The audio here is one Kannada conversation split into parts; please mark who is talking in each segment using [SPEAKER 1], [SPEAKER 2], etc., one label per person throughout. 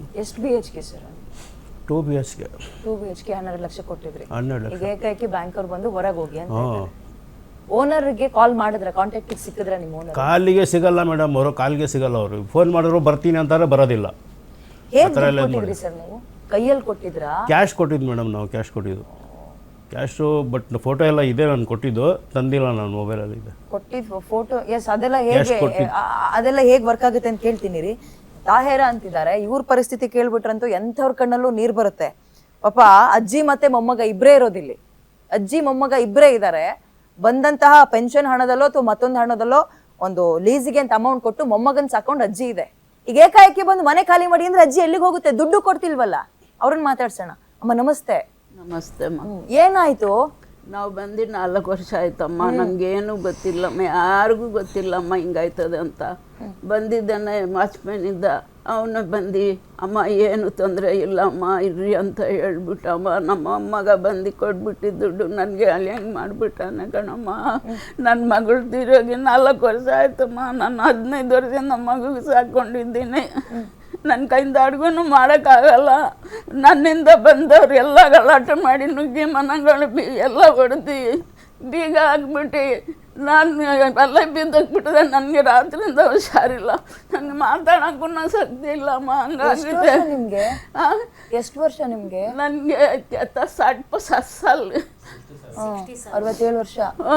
[SPEAKER 1] ಎಷ್ಟು BHK ಸರ್?
[SPEAKER 2] 2 BHK.
[SPEAKER 1] 2 BHK 12 ಲಕ್ಷ ಕೊಟ್ಟಿದ್ರಿ.
[SPEAKER 2] 12 ಲಕ್ಷ.
[SPEAKER 1] ಈಗ ಏಕಾಏಕಿ ಬ್ಯಾಂಕವ್ರು ಬಂದು ಹೊರಗೆ ಹೋಗಿ ಅಂತ ಓನರ್ಗೆ ಕಾಲ್ ಮಾಡಿದ್ರೆ ಕಾಂಟ್ಯಾಕ್ಟಿಗೆ ಸಿಕ್ಕಿದ್ರೆ ನಿಮ್ಮ ಓನರ್?
[SPEAKER 2] ಕಾಲಿಗೆ ಸಿಗಲ್ಲ ಮೇಡಮ್, ಅವರು ಕಾಲಿಗೆ ಸಿಗಲ್ಲ. ಅವರು ಫೋನ್ ಮಾಡಿದ್ರು ಬರ್ತೀನಿ ಅಂತಾರೆ, ಬರೋದಿಲ್ಲ.
[SPEAKER 1] ಹೇಗೆ ಕೊಟ್ಟಿದ್ರಿ ಸರ್ ನೀವು? ಕೈಯಲ್ಲಿ ಕೊಟ್ಟಿದ್ರಾ?
[SPEAKER 2] ಕ್ಯಾಶ್ ಕೊಟ್ಟಿದ್ದು ಮೇಡಮ್, ನಾವು ಕ್ಯಾಶ್ ಕೊಟ್ಟಿದ್ದು. ಕ್ಯಾಶು, ಬಟ್ ಫೋಟೋ ಎಲ್ಲ ಇದೆ, ನಾನು ಕೊಟ್ಟಿದ್ದು ತಂದಿಲ್ಲ, ನಾನು ಮೊಬೈಲಲ್ಲಿ ಇದೆ
[SPEAKER 1] ಕೊಟ್ಟಿದ್ದು ಫೋಟೋ. ಎಸ್, ಅದೆಲ್ಲ ಹೇಗೆ ವರ್ಕ್ ಆಗುತ್ತೆ ಅಂತ ಕೇಳ್ತೀನಿ ರೀ. ತಾಹೇರ ಅಂತಿದ್ದಾರೆ, ಇವ್ರ ಪರಿಸ್ಥಿತಿ ಕೇಳ್ಬಿಟ್ರಂತೂ ಎಂಥವ್ರ ಕಣ್ಣಲ್ಲೂ ನೀರು ಬರುತ್ತೆ. ಪಾಪ ಅಜ್ಜಿ ಮತ್ತೆ ಮೊಮ್ಮಗ ಇಬ್ಬರೇ ಇರೋದಿಲ್ಲಿ. ಅಜ್ಜಿ ಮೊಮ್ಮಗ ಇಬ್ಬರೇ ಇದ್ದಾರೆ. ಬಂದಂತಹ ಪೆನ್ಷನ್ ಹಣದಲ್ಲೋ ಅಥವಾ ಮತ್ತೊಂದು ಹಣದಲ್ಲೋ ಒಂದು ಲೀಸಿಗೆ ಅಂತ ಅಮೌಂಟ್ ಕೊಟ್ಟು ಮೊಮ್ಮಗನ್ ಸಾಕೊಂಡು ಅಜ್ಜಿ ಇದೆ. ಈಗ ಏಕಾಏಕಿ ಬಂದು ಮನೆ ಖಾಲಿ ಮಾಡಿ ಅಂದ್ರೆ ಅಜ್ಜಿ ಎಲ್ಲಿಗೆ ಹೋಗುತ್ತೆ? ದುಡ್ಡು ಕೊಡ್ತಿಲ್ವಲ್ಲ. ಅವ್ರನ್ನ ಮಾತಾಡ್ಸೋಣ. ಅಮ್ಮ ನಮಸ್ತೆ.
[SPEAKER 3] ನಮಸ್ತೆ ಅಮ್ಮ.
[SPEAKER 1] ಏನಾಯ್ತು?
[SPEAKER 3] ನಾವು ಬಂದು 4 ವರ್ಷ ಆಯ್ತಮ್ಮ. ನಮಗೇನು ಗೊತ್ತಿಲ್ಲಮ್ಮ, ಯಾರಿಗೂ ಗೊತ್ತಿಲ್ಲಮ್ಮ ಹಿಂಗಾಯ್ತದೆ ಅಂತ. ಬಂದಿದ್ದಾನೆ ವಾಚ್ಮ್ಯಾನಿಂದ, ಅವನು ಬಂದು ಅಮ್ಮ ಏನು ತೊಂದರೆ ಇಲ್ಲಮ್ಮ ಇರ್ರಿ ಅಂತ ಹೇಳ್ಬಿಟ್ಟಮ್ಮ. ನಮ್ಮ ಅಮ್ಮಗ ಬಂದು ಕೊಟ್ಬಿಟ್ಟಿದ್ದು ದುಡ್ಡು ನನಗೆ ಅಲ್ಲಿ ಹೆಂಗೆ ಮಾಡಿಬಿಟ್ಟಾನೆ ಕಣಮ್ಮ. ನನ್ನ ಮಗಳು ತಿರೋಗಿ 4 ವರ್ಷ ಆಯ್ತಮ್ಮ. ನಾನು 15 ವರ್ಷ ನಮ್ಮ ಮಗುಗೆ ಸಾಕೊಂಡಿದ್ದೀನಿ. ನನ್ನ ಕೈಯಿಂದ ಅಡುಗೂ ಮಾಡೋಕ್ಕಾಗಲ್ಲ. ನನ್ನಿಂದ ಬಂದವ್ರು ಎಲ್ಲ ಗಲಾಟೆ ಮಾಡಿ ನುಗ್ಗಿ ಮನೆಗಳು ಎಲ್ಲ ಹೊಡೆದು ಬೀಗ ಹಾಕ್ಬಿಟ್ಟು ನಾನು ಎಲ್ಲ ಬಿದ್ದೋಗ್ಬಿಟ್ಟಿದೆ. ನನಗೆ ರಾತ್ರಿಯಿಂದ ಹುಷಾರಿಲ್ಲ, ನನಗೆ ಮಾತಾಡೋಕ್ಕೂ ಶಕ್ತಿ ಇಲ್ಲಮ್ಮ. ಹಂಗಾಗಿದೆ.
[SPEAKER 1] ನಿಮ್ಗೆ ಎಷ್ಟು ವರ್ಷ? ನಿಮ್ಗೆ?
[SPEAKER 3] ನನಗೆ 60 ಸಾಲ,
[SPEAKER 1] 67 ವರ್ಷ.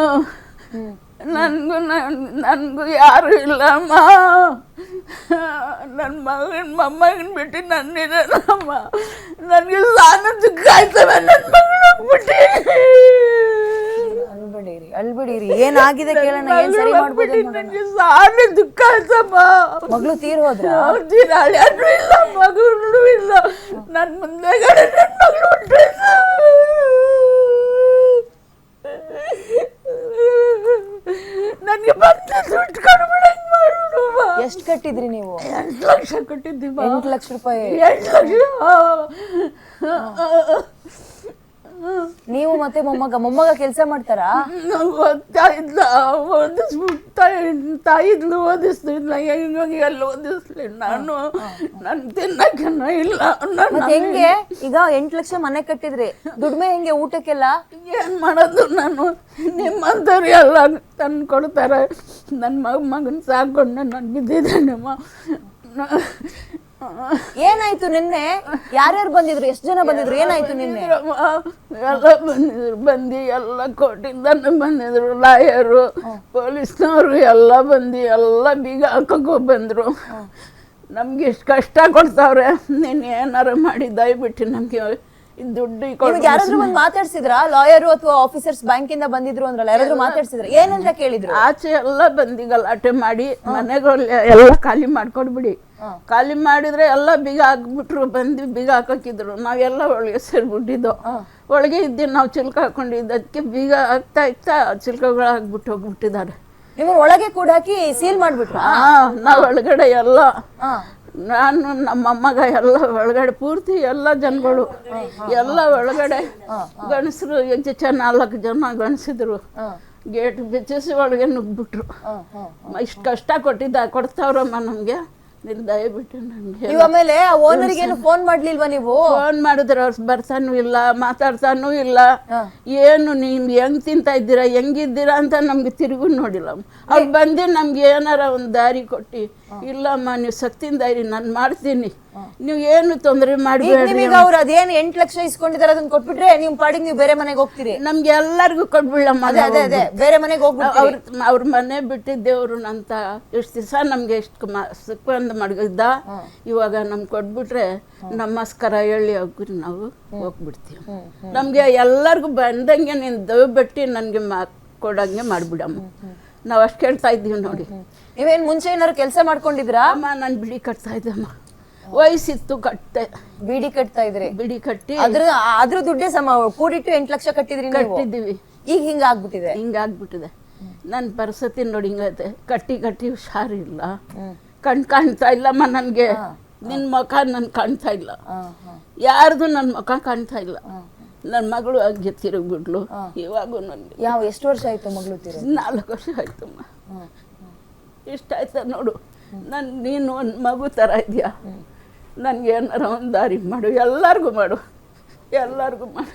[SPEAKER 3] ನನಗೂ ಯಾರು ಇಲ್ಲಮ್ಮ. ನನ್ನ ಮೊಮ್ಮಗನ ಬಿಟ್ಟು ನನ್ನಿದೆನಮ್ಮ. ನನಗೆ ಸಾಲ ದುಃಖ ಆಯ್ತವೆ. ನನ್ನ ಮಗಳು ಹೋಗ್ಬಿಟ್ಟು.
[SPEAKER 1] ಅಳ್ಬಿಡಿರಿ. ಏನಾಗಿದೆ ಕೇಳೋಣ, ಏನ್ ಸರಿ ಮಾಡ್ಬೋದು?
[SPEAKER 3] ನನಗೆ ಸಾಲ ದುಃಖ ಆಯ್ತಮ್ಮ.
[SPEAKER 1] ಮಗಳು ತೀರ್ ಹೋದ್ರ?
[SPEAKER 3] ಯಾರು ಇಲ್ಲ, ಮಗಳು ಇಲ್ಲ. ನನ್ನ ಮುಂದೆಗಡೆ ನನ್ನ ಮಗಳು ನನಗೆ ಬಂದ ದುಡ್ಡು ಕಡಿಮೆ ಮಾಡೋದು.
[SPEAKER 1] ಎಷ್ಟು ಕಟ್ಟಿದ್ರಿ ನೀವು?
[SPEAKER 3] 8 ಲಕ್ಷ ಕಟ್ಟಿದ್ದೀವಿ.
[SPEAKER 1] 8 ಲಕ್ಷ ರೂಪಾಯಿ?
[SPEAKER 3] 8 ಲಕ್ಷ.
[SPEAKER 1] ನೀವು ಮತ್ತೆ ಮೊಮ್ಮಗ ಕೆಲಸ ಮಾಡ್ತಾರಾ?
[SPEAKER 3] ಓದ್ತಾ ಇದ್ದ, ತಾಯಿದ್ಲು ಓದಿಸ್ತಿದ್ಲ. ಹೆಂಗಾಗಿ ಎಲ್ಲ ಓದಿಸ್ಲಿ. ನಾನು ತಿನ್ನಕ್ಕೆ ಇಲ್ಲ.
[SPEAKER 1] ಹೆಂಗೆ ಈಗ 8 ಲಕ್ಷ ಮನೆ ಕಟ್ಟಿದ್ರಿ, ದುಡ್ಮೆ ಹೆಂಗೆ ಊಟಕ್ಕೆಲ್ಲ?
[SPEAKER 3] ಏನ್ ಮಾಡೋದು? ನಾನು ನಿಮ್ಮಂಥವ್ರು ಎಲ್ಲ ತಂದು ಕೊಡ್ತಾರೆ. ನನ್ನ ಮಗನ ಸಾಕೊಂಡು ನಾನು ಬಿದ್ದಿದ್ದೇನಮ್ಮ.
[SPEAKER 1] ಏನಾಯ್ತು ನಿನ್ನೆ? ಯಾರ್ಯಾರು ಬಂದಿದ್ರು? ಎಷ್ಟು ಜನ ಬಂದಿದ್ರು? ಏನಾಯ್ತು ನಿನ್ನೆ?
[SPEAKER 3] ಎಲ್ಲ ಬಂದು ಎಲ್ಲ ಕೋರ್ಟಿಂದ ಬಂದಿದ್ರು, ಲಾಯರು, ಪೊಲೀಸ್ನವರು ಎಲ್ಲ ಬಂದು ಎಲ್ಲ ಬೀಗ ಹಾಕಕ್ಕೂ ಬಂದರು. ನಮ್ಗೆ ಎಷ್ಟು ಕಷ್ಟ ಕೊಡ್ತಾವ್ರೆ. ನೀನು ಏನಾರು ಮಾಡಿ ದಯವಿಟ್ಟು ನಮಗೆ ದುಡ್ಡು
[SPEAKER 1] ಯಾರಾದ್ರೂ ಬಂದು ಮಾತಾಡ್ಸಿದ್ರಾ? ಲಾಯರು ಅಥವಾ ಆಫೀಸರ್ಸ್ ಬ್ಯಾಂಕಿಂದ ಬಂದಿದ್ರು ಅಂದ್ರಲ್ಲ, ಯಾರಾದ್ರೂ ಮಾತಾಡ್ಸಿದ್ರ? ಏನಂತ ಕೇಳಿದ್ರು?
[SPEAKER 3] ಆಚೆ ಎಲ್ಲ ಬಂದು ಗಲಾಟೆ ಮಾಡಿ ಮನೆಗಳು ಎಲ್ಲ ಖಾಲಿ ಮಾಡ್ಕೊಡ್ಬಿಡಿ. ಖಾಲಿ ಮಾಡಿದ್ರೆ ಎಲ್ಲ ಬೀಗ ಹಾಕ್ಬಿಟ್ರು. ಬಂದು ಬೀಗ ಹಾಕಿದ್ರು. ನಾವೆಲ್ಲ ಒಳಗೆ ಸೇರ್ಬಿಟ್ಟಿದ್ದು. ಒಳಗೆ ಇದ್ದು ನಾವು ಚಿಲ್ಕ ಹಾಕೊಂಡಿದ್ದು. ಅದಕ್ಕೆ ಬೀಗ ಹಾಕ್ತಾ ಚಿಲ್ಕಗಳು ಹಾಕ್ಬಿಟ್ಟು ಹೋಗ್ಬಿಟ್ಟಿದ್ದಾರೆ.
[SPEAKER 1] ನಿಮ್ಮ ಒಳಗೆ ಕೂಡ ಹಾಕಿ ಸೀಲ್ ಮಾಡ್ಬಿಟ್ರು?
[SPEAKER 3] ನಾವು ಒಳಗಡೆ ಎಲ್ಲ, ನಾನು ನಮ್ಮ ಅಮ್ಮಗ ಎಲ್ಲ ಒಳಗಡೆ ಪೂರ್ತಿ ಎಲ್ಲ ಜನಗಳು ಎಲ್ಲ ಒಳಗಡೆ ಗಣಸರು 4 ಜನ ಗಣಸಿದ್ರು. ಗೇಟ್ ಬಿಚ್ಚಿಸಿ ಒಳಗೆ ನುಗ್ಬಿಟ್ರು. ಇಷ್ಟು ಕಷ್ಟ ಕೊಡ್ತಾವ್ರಮ್ಮ ನಮಗೆ. ದಯವಿಟ್ಟು ನನಗೆ.
[SPEAKER 1] ಆಮೇಲೆ ಓನರಿಗೆ ಫೋನ್ ಮಾಡ್ಲಿಲ್ವಾ ನೀವು?
[SPEAKER 3] ಫೋನ್ ಮಾಡಿದ್ರೆ ಅವ್ರು ಬರ್ತಾನೂ ಇಲ್ಲ, ಮಾತಾಡ್ತಾನೂ ಇಲ್ಲ. ಏನು ನೀವು ಹೆಂಗ್ ತಿಂತಾ ಇದ್ದೀರಾ, ಹೆಂಗಿದ್ದೀರಾ ಅಂತ ನಮ್ಗೆ ತಿರುಗು ನೋಡಿಲ್ಲ. ಅವ್ರು ಬಂದು ನಮ್ಗೆ ಏನಾರ ಒಂದು ದಾರಿ ಕೊಟ್ಟು, ಇಲ್ಲಮ್ಮ ನೀವು ಸತ್ತಿನ ದಾರಿ ನಾನು ಮಾಡ್ತೀನಿ, ನೀವು ಏನು ತೊಂದರೆ ಮಾಡಬೇಡಿ.
[SPEAKER 1] ಅವ್ರು ಅದೇನು 8 ಲಕ್ಷ ಇಸ್ಕೊಂಡಿದ್ದಾರೆ ಅದನ್ನ ಕೊಟ್ಬಿಟ್ರೆ ನೀವು ಪಾಡಿಗೆ ನೀವು ಬೇರೆ ಮನೆಗೆ ಹೋಗ್ತೀರಿ?
[SPEAKER 3] ನಮ್ಗೆ ಎಲ್ಲರಿಗೂ ಕೊಟ್ಬಿಡಮ್ಮ.
[SPEAKER 1] ಅದೇ ಬೇರೆ ಮನೆಗೆ ಹೋಗ್ಬಿಟ್ಟು
[SPEAKER 3] ಅವ್ರ ಮನೆ ಬಿಟ್ಟಿದ್ದೇವ್ರು ಅಂತ ಎಷ್ಟು ದಿವಸ ನಮ್ಗೆ ಎಷ್ಟು ಸುಖ ಮಡಗಿದ್ದ. ಇವಾಗ ನಮ್ಗೆ ಕೊಟ್ಬಿಟ್ರೆ ನಮಸ್ಕಾರ ಹೇಳಿ ಹೋಗ್ರಿ ನಾವು ಹೋಗ್ಬಿಡ್ತೀವಿ. ನಮ್ಗೆ ಎಲ್ಲರಿಗೂ ಬಂದಂಗೆ ನೀನು ದಯವಿಟ್ಟು ನನಗೆ ಕೊಡಂಗೆ ಮಾಡ್ಬಿಡಮ್ಮ. ನಾವು ಅಷ್ಟು ಕೇಳ್ತಾ ಇದ್ದೀವಿ ನೋಡಿ.
[SPEAKER 1] ನೀವೇನು ಮುಂಚೆ ಏನಾದ್ರು ಕೆಲಸ ಮಾಡ್ಕೊಂಡಿದ್ರಾ?
[SPEAKER 3] ಅಮ್ಮ ನಾನು ಬಿಡಿ ಕಟ್ತಾ ಇದ್ದಮ್ಮ. ವಯಸ್ಸಿತ್ತು ಕಟ್ಟೆ.
[SPEAKER 1] ಬಿಡಿ ಕಟ್ತಾ ಇದ್ರಿ?
[SPEAKER 3] ಬಿಡಿ ಕಟ್ಟಿ
[SPEAKER 1] ಅದ್ರ ದುಡ್ಡೇ ಕೂಡಿಟ್ಟು 8 ಲಕ್ಷ ಕಟ್ಟಿದ್ರಿ?
[SPEAKER 3] ಕಟ್ಟಿದ್ದೀವಿ.
[SPEAKER 1] ಈಗ ಹಿಂಗಾಗ್ಬಿಟ್ಟಿದೆ?
[SPEAKER 3] ಹಿಂಗಾಗ್ಬಿಟ್ಟಿದೆ ನನ್ನ ಪರಿಸ್ಥಿತಿ ನೋಡಿ. ಹಿಂಗೈತೆ. ಕಟ್ಟಿ ಹುಷಾರಿಲ್ಲ. ಕಾಣ್ತಾ ಇಲ್ಲಮ್ಮ ನನಗೆ. ನಿನ್ನ ಮುಖ ನನ್ ಕಾಣ್ತಾ ಇಲ್ಲ, ಯಾರ್ದು ನನ್ನ ಮುಖ ಕಾಣ್ತಾ ಇಲ್ಲ. ನನ್ನ ಮಗಳು ಹಂಗೆ ತಿರುಗ್ಬಿಟ್ಲು. ಇವಾಗೂ ನನಗೆ
[SPEAKER 1] ಎಷ್ಟು ವರ್ಷ ಆಯ್ತು ಮಗಳು ತಿರುಗಿ?
[SPEAKER 3] 4 ವರ್ಷ ಆಯ್ತಮ್ಮ. ಇಷ್ಟ ಆಯ್ತಾ ನೋಡು. ನೀನು ಒಂದು ಮಗು ಥರ ಇದೆಯಾ. ನನಗೆ ಏನಾರ ಒಂದು ದಾರಿ ಮಾಡು, ಎಲ್ಲರಿಗೂ ಮಾಡು, ಎಲ್ಲರಿಗೂ ಮಾಡು.